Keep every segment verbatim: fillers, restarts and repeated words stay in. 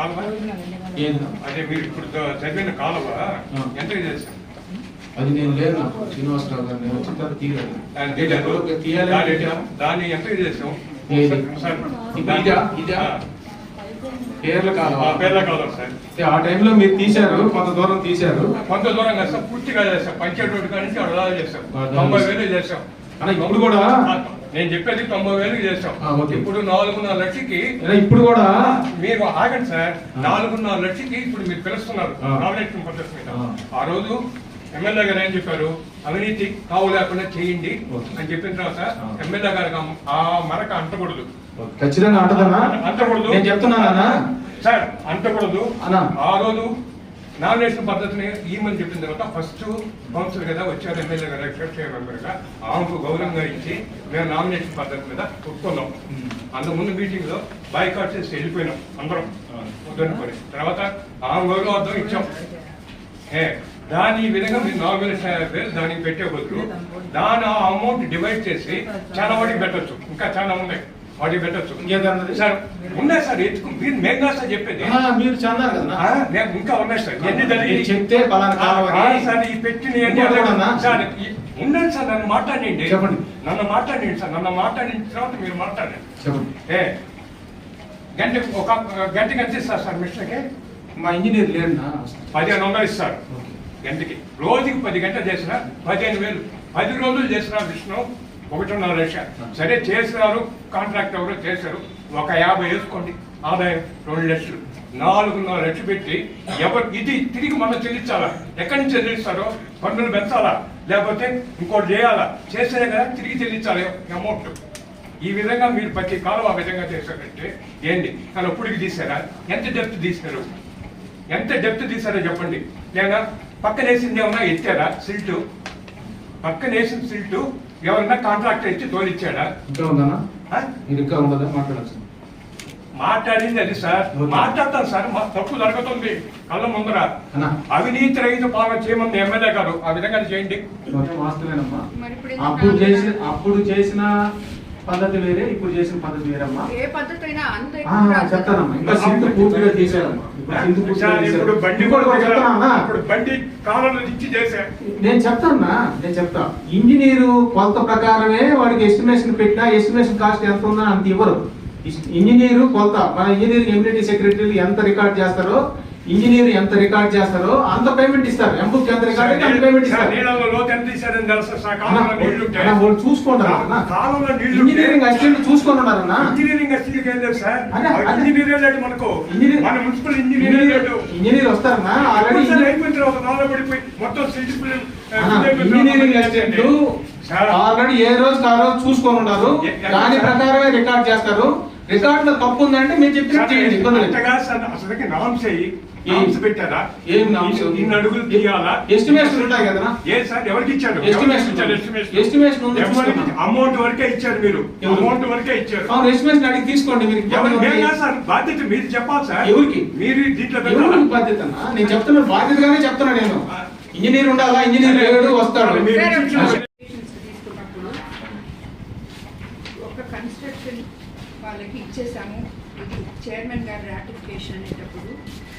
కాలువ అదే మీరు ఇప్పుడు చదివిన కాలువ ఎంత చేశాం? అది నేను లేదు శ్రీనివాసరావు గారు నేను వచ్చిన తర్వాత తీయాలి. దాన్ని ఎంత చేసాం? పేర్ల కాలం పేర్ల కాలం సార్. ఆ టైంలో మీరు తీశారు, కొంత దూరం తీశారు. కొంత దూరం కాదు సార్, పూర్తిగా చేస్తాం. పంచేటోటి కాడి నుంచి అడలా చేస్తాం. తొంభై వేలు చేస్తాం. ఇప్పుడు కూడా నేను చెప్పేది తొంభై వేలు చేస్తాం. ఇప్పుడు నాలుగున్నర లక్షకి ఇప్పుడు కూడా మీరు ఆగండి సార్. నాలుగున్నర లక్షకి ఇప్పుడు మీరు పిలుస్తున్నారు నామినేషన్ పద్ధతి మీద. ఆ రోజు ఎమ్మెల్యే గారు ఏం చెప్పారు? అవినీతి కావు లేకుండా చేయండి అని చెప్పిన తర్వాత ఎమ్మెల్యే గారికి ఆ మరక అంటకూడదు. ఖచ్చితంగా అంటదన్నా, అంటకూడదు. నేను చెప్తున్నానా సార్, అంటకూడదు. ఆ రోజు నామినేషన్ పద్ధతిని ఈమని చెప్పిన తర్వాత ఫస్ట్ కౌన్సిల్ కదా వచ్చారు ఎమ్మెల్యే గారు ఎక్స్పెక్ట్ మెంబర్ గా ఆమెకు గౌరవంగా ఇచ్చి మేము నామినేషన్ పద్ధతి మీద ఒప్పుకున్నాం. అంతకుముందు మీటింగ్ లో బాయ్కాట్ చేసి వెళ్ళిపోయినాం అందరం వద్దనుకొని. తర్వాత ఆమె గౌరవార్థం ఇచ్చాం. ఏ దాని ఈ విధంగా మీరు నాలుగు వేలు దానికి పెట్టే బదులు దాని ఆ అమౌంట్ డివైడ్ చేసి చాలా వాటికి పెట్టచ్చు. ఇంకా చాలా ఉన్నాయి, వాటికి పెట్టచ్చు. సార్ ఉన్నాయి సార్, ఎత్తుకు మీరు మేము కాదు సార్ చెప్పేది. మీరు చందారు కదా, ఇంకా ఉన్నాయి సార్. ఎన్ని జరిగి చెప్తే సార్ ఈ పెట్టిన సార్ ఉండండి సార్, నన్ను మాట్లాడండి. చెప్పండి, నన్ను మాట్లాడండి సార్. నన్ను మాట్లాడిన తర్వాత మీరు మాట్లాడండి. చెప్పండి. ఏ గంట ఒక గంటకి ఎంత ఇస్తారు సార్ మిషన్కి? మా ఇంజనీర్ లేడు, పదిహేను వందలు ఇస్తారు గంటకి. రోజుకి పది గంటలు చేసినా పదిహేను వేలు. పది రోజులు చేసిన విష్ణు ఒకటిన్నర లక్ష. సరే చేసినారు, కాంట్రాక్ట్ ఎవరో చేశారు, ఒక యాభై వేసుకోండి ఆదాయం రెండు లక్షలు. నాలుగున్నర లక్షలు పెట్టి ఎవరు ఇది తిరిగి మనం చెల్లించాలా? ఎక్కడి నుంచి చెల్లిస్తారో పన్నులు పెంచాలా, లేకపోతే ఇంకోటి చేయాలా? చేస్తేనే కదా తిరిగి చెల్లించాలి అమౌంట్. ఈ విధంగా మీరు ప్రతి కాలం ఆ విధంగా చేశారంటే ఏంటి? కానీ అప్పుడుకి తీసారా? ఎంత డెప్త్ తీసినారు? ఎంత డెప్త్ తీసారో చెప్పండి. లేదా పక్కన వేసింది ఏమన్నా ఎత్తారా? సిల్టు పక్కన వేసిన సిల్టు ఎవరన్నా కాంట్రాక్టర్ ఇచ్చి తోలిచ్చాడా? ఇంకా ఉందన్నా, ఇంకా ఉండదా? మాట్లాడాల్సింది మాట్లాడింది అది సార్. మాట్లాడతాను సార్, మా తప్పు జరుగుతుంది కళ్ళ ముందర. అవినీతి రహిత పాలన చేయమని ఎమ్మెల్యే గారు ఆ విధంగా చేయండి. వాస్తవేనమ్మా, అప్పుడు చేసిన అప్పుడు చేసిన పద్ధతి వేరే, ఇప్పుడు చేసిన పద్ధతి వేరమ్మా. ఏ పద్ధతి అయినా అంతే చెప్తానమ్మా. ఇంకా సింధు పూర్తిగా తీసారమ్మా. ఇప్పుడు బండి ఇప్పుడు బండి కాలంలో ఇచ్చి చేశారు. నేను చెప్తానా, నేను చెప్తా. ఇంజనీరు కొలత ప్రకారమే వాడికి ఎస్టిమేషన్ పెట్టినా ఎస్టిమేషన్ కాస్ట్ ఎంత ఉందని అంత ఇవ్వరు. ఇంజనీరు కొలత, మన ఇంజనీరింగ్ ఎమ్యూనిటీ సెక్రటరీలు ఎంత రికార్డ్ చేస్తారో, ఇంజనీర్ ఎంత రికార్డ్ చేస్తారో అంత పేమెంట్ ఇస్తారు. ఎంబుక్ ఎంత రికార్డ్ అయితే అంత పేమెంట్ ఇస్తారు. చూసుకుంటారు, ఇంజనీరింగ్ అసిస్టెంట్ చూసుకొని ఉన్నారన్నా. ఇంజనీర్ వస్తారన్నా ఆల్రెడీ. ఇంజనీరింగ్ అసిస్టెంట్ ఆల్రెడీ ఏ రోజు ఆ రోజు చూసుకొని ఉన్నారు. దాని ప్రకారమే రికార్డ్ చేస్తారు. రికార్డ్ లో తప్పు ఉందంటే మీరు చెప్పినట్టు చేయండి. పెట్టారా? ఏం అడుగులు తీయాలా? ఎస్టిమేషన్ ఉంటాయి కదా? ఏ సార్ ఎవరికి ఇచ్చారు? ఎస్టిమేషన్ అమౌంట్ వరకే ఇచ్చారు. మీరు అమౌంట్ వరకే ఇచ్చారు. అవును, ఎస్టిమేషన్ అడిగి తీసుకోండి. మీరు సార్ బాధ్యత మీరు చెప్పాలి సార్. ఎవరికి? మీరు దీంట్లో బాధ్యత? నేను చెప్తున్నాను, బాధ్యతగానే చెప్తున్నా. నేను ఇంజనీర్ ఉండాలా? ఇంజనీర్ లేడు వస్తాడు. ఒక కన్స్ట్రక్షన్ వాళ్ళకి ఇచ్చేసాము, ఇది చైర్మన్ గారి రాటిఫికేషన్ అనేటప్పుడు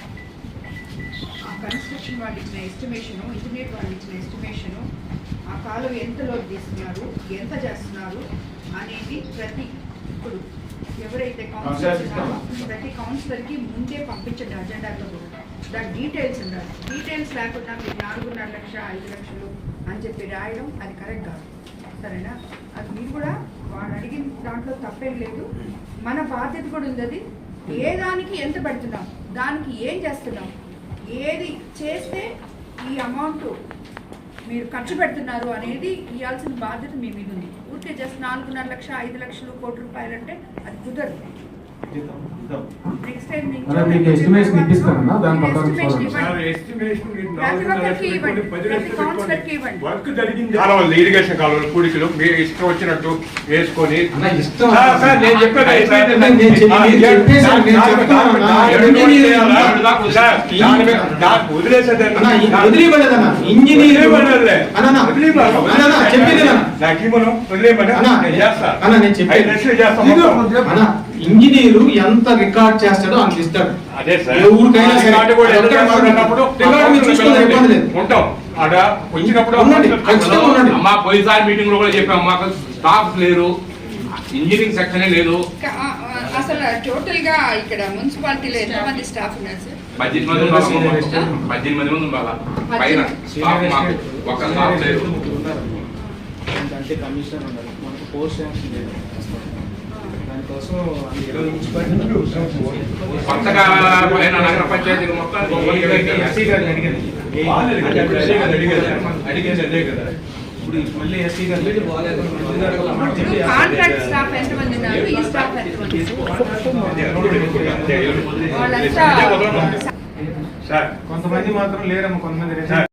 ఆ కన్స్ట్రక్షన్ వాళ్ళు ఇచ్చిన ఎస్టిమేషను, ఇంజనీర్ వాళ్ళు ఇచ్చిన ఎస్టిమేషను, ఆ కాలువ ఎంత లోడ్ తీస్తున్నారు, ఎంత చేస్తున్నారు అనేది ప్రతి ఇప్పుడు ఎవరైతే కౌన్సిలర్ ఉన్నారో ప్రతి కౌన్సిలర్కి ముందే పంపించండి అజెండాతో కూడా. దాని డీటెయిల్స్ ఉండాలి. డీటెయిల్స్ లేకుండా మీరు నాలుగున్నర లక్ష ఐదు లక్షలు అని చెప్పి రాయడం అది కరెక్ట్ కాదు. సరేనా? అది మీరు కూడా వాడు అడిగిన దాంట్లో తప్పేం లేదు. మన బాధ్యత కూడా ఉంది. అది ఏ దానికి ఎంత పెడుతున్నాం, దానికి ఏం చేస్తున్నాం, ఏది చేస్తే ఈ అమౌంట్ మీరు ఖర్చు పెడుతున్నారు అనేది ఇవ్వాల్సిన బాధ్యత మీ మీద ఉంది. ఊరికే జస్ట్ నాలుగున్నర లక్ష ఐదు లక్షలు కోటి రూపాయలు అంటే అది కుదరదు. నెక్స్ట్ టైం మీకు ఎస్టిమేషన్ ఇప్పిస్తారన్నా, దాని ప్రకారం ఇరిగేషన్ కాలువలు పూడికలు మీరు ఇష్టం వచ్చినట్టు వేసుకొని వదిలేసేదన్నా. ఇంజనీరు ఎంత రికార్డ్ చేస్తాడో అంత ఇస్తాడు. అదే సార్. ఏ ఊరికైనా సరే. రికార్డు కూడా అదొక్కటే ఎంత మనం ఉన్నప్పుడు రికార్డు మీరు చూసుకునే ఇబ్బంది లేదు. ఉంటాం ఆడ వచ్చినప్పుడు ఉండండి. ఖచ్చితంగా ఉండండి. అమ్మా పోయినసారి మీటింగ్ లో కూడా చెప్పాము మాకు స్టాఫ్ లేరు, ఇంజనీరింగ్ సెక్షనే లేదు. క- ఆ, ఆ, అసలు టోటల్ గా ఇక్కడ మున్సిపాలిటీలో ఎంతమంది స్టాఫ్ ఉన్నారు సార్? పద్దెనిమిది మంది ఉండాలి అమ్మా మొత్తం. పద్దెనిమిది మంది ఉండాలి పైన స్టాఫ్ మాకు ఒక్క స్టాఫ్ లేదు. అంటే కమిషనర్ ఉండాలి, మనకు పోస్ట్ శాంక్షన్ లేదు. దానికోసం ఇరవై నుంచి కొత్తగా పైన నగర పంచాయతీ మొత్తం ఎస్సీ గారిని అడిగాను. అడిగేది అదే కదా. ఇప్పుడు మళ్ళీ ఎస్సీ గారు ఇప్పుడు కాంట్రాక్ట్ స్టాఫ్ ఎంతమంది ఉన్నారు? ఈ స్టాఫ్ ఎంతమంది? వాళ్ళంతా సార్ కొంతమంది మాత్రం లేరమ్మ, కొంతమంది సార్